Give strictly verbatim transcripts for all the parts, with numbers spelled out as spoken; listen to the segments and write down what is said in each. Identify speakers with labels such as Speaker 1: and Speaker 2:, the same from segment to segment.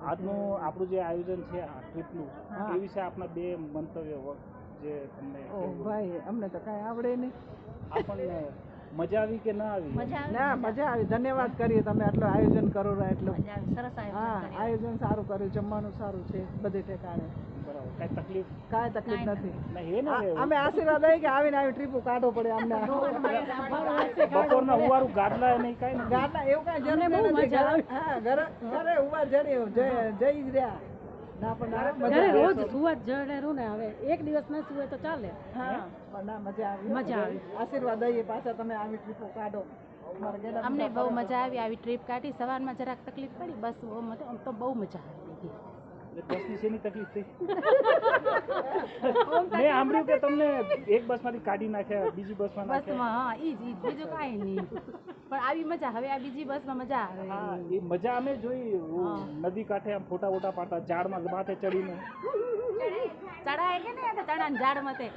Speaker 1: આજનું આપણું જે આયોજન છે આ ટ્રીપનું એ વિશે આપના બે મંતવ્ય જે તમને
Speaker 2: ઓ ભાઈ અમને તો કાંઈ આવડે નહીં.
Speaker 1: આપણને મજા આવી કે ના આવી?
Speaker 2: ના મજા આવી. ધન્યવાદ કરીએ તમે આટલું આયોજન કરો છો એટલું.
Speaker 3: સરસ
Speaker 2: હા આયોજન સારું કર્યું, જમવાનું સારું છે બધે ઠેકાણે.
Speaker 1: બરાબર. કાંઈ તકલીફ?
Speaker 2: કાંઈ તકલીફ નથી.
Speaker 1: નહીં હે ને
Speaker 2: અમે આશીર્વાદ દઈએ કે આવીને આવી ટ્રીપો કાઢવો પડે અમને.
Speaker 1: બપોરના ઉવારું ગાદલા નહીં કાંઈ ને
Speaker 2: ગાદલા એવું કાંઈ જરૂર નથી. હા ઘરે ઘરે ઉવા જડી જઈ જ રહ્યા. ના પણ ના
Speaker 3: રોજ સુવા જડે રહું ને હવે એક દિવસ ન સુવે તો ચાલે.
Speaker 2: હા પણ ના મજા આવી.
Speaker 3: મજા આવી.
Speaker 2: આશીર્વાદ દઈએ પાછા તમે આવી ટ્રીપો કાઢો.
Speaker 3: અમને બહુ મજા આવી આવી ટ્રીપ કાઢી. સવારમાં જરાક તકલીફ પડી બસ આમ તો બહુ મજા આવી.
Speaker 1: બસની શેની તકલીફ થઈ? મેં સાંભળ્યું કે તમને એક બસમાંથી કાઢી નાખ્યા બીજી બસમાં નાખ્યા.
Speaker 3: બસમાં હા ઈ જ ઈ જ બીજું કાંઈ નહીં. પણ આવી મજા હવે આ બીજી બસમાં મજા આવે.
Speaker 1: હા એ મજા અમે જોઈ નદી કાંઠે આમ ફોટા વોટા પાડતા ઝાડમાં માથે ચડીને
Speaker 3: ચડાય કે ને ચડાને ઝાડમાં તે.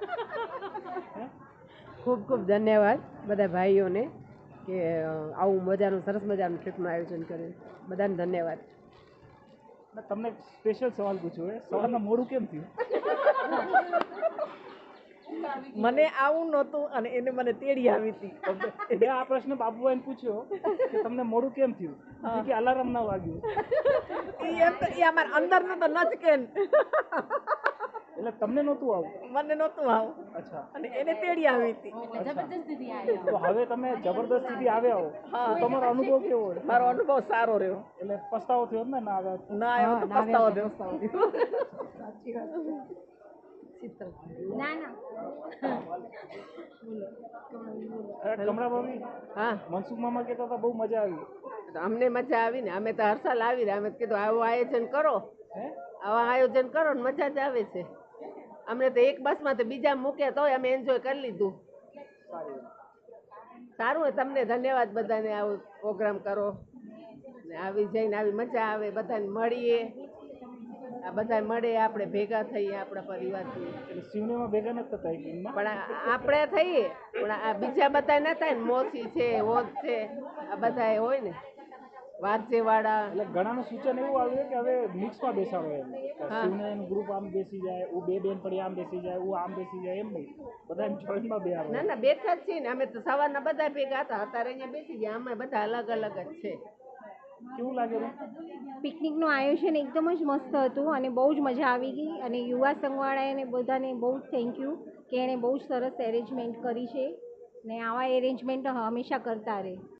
Speaker 4: ખૂબ ખૂબ ધન્યવાદ બધા ભાઈઓને કે આવું મજાનું સરસ મજાનું ટ્રીપનું આયોજન કર્યું. બધાને ધન્યવાદ.
Speaker 1: તમને સ્પેશિયલ સવાલ પૂછ્યો એ સવારના મોડું કેમ થયું?
Speaker 2: મને આવું નહોતું અને એને મને તેડી આવી હતી.
Speaker 1: મેં આ પ્રશ્ન બાબુભાઈને પૂછ્યો કે તમને મોડું કેમ થયું કે અલાર્મ ના વાગ્યું.
Speaker 2: એમ તો એ અમારા અંદરનું તો નચકે.
Speaker 1: એટલે તમને નહોતું આવું?
Speaker 2: મને નહોતું આવું.
Speaker 1: અચ્છા.
Speaker 2: અને એને તેડી આવી હતી.
Speaker 3: જબરદસ્તીથી આવ્યા.
Speaker 1: તો હવે તમે જબરદસ્તીથી આવ્યા હો તો તમારો અનુભવ કેવો હોય?
Speaker 2: મારો અનુભવ સારો રહ્યો.
Speaker 1: એટલે પસ્તાવો થયો ને ના આવ્યા?
Speaker 2: ના આવ્યો તો પસ્તાવો થયો. સાચી વાત.
Speaker 3: ના ના
Speaker 1: કમળા ભાભી
Speaker 4: હા
Speaker 1: મનસુખ મામા કહેતા હતા બહુ મજા આવી.
Speaker 4: અમને મજા આવી ને અમે તો હર સાલ આવી રહ્યા. અમે કીધું આવું આયોજન કરો,
Speaker 1: હે
Speaker 4: આવા આયોજન કરો ને મજા જ આવે છે. અમને તો એક બસમાં તો બીજા મૂક્યા તોય અમે એન્જોય કરી લીધું. સારું હોય. તમને ધન્યવાદ બધાને આવું પ્રોગ્રામ કરો ને આવી જઈને આવી મજા આવે. બધાને મળીએ, આ બધા મળે આપણે ભેગા થઈએ આપણા પરિવારથી.
Speaker 1: એટલે શિવનેમાં ભેગા નથી થતા એક દિનમાં?
Speaker 4: પણ આપણે થઈએ પણ આ બીજા બધા ના થાય ને. મોસી છે, હોત છે, આ બધા હોય ને વારસેવાળા.
Speaker 1: એટલે ઘણાનું સૂચન એવું આવ્યું કે હવે મિક્સમાં બેસાડો એમ. શિવનેન ગ્રુપ આમ બેસી જાય, હું બે બેન પડી આમ બેસી જાય, હું આમ બેસી જાય એમ નહીં. બધા એમ જોઈન્ટમાં બે આવે.
Speaker 4: ના ના બેઠા જ છીએ ને અમે તો સવારના બધા ભેગા હતા. અત્યારે અહીંયા બેસી ગયા. અમે બધા અલગ અલગ જ છે.
Speaker 1: કેવું લાગે?
Speaker 5: પિકનિકનું આયોજન એકદમ જ મસ્ત હતું અને બહુ જ મજા આવી ગઈ. અને યુવા સંઘવાળાને બધાને બહુ જ થેન્ક યુ કે એણે બહુ જ સરસ એરેન્જમેન્ટ કરી છે ને આવા એરેન્જમેન્ટ હંમેશા કરતા રહે.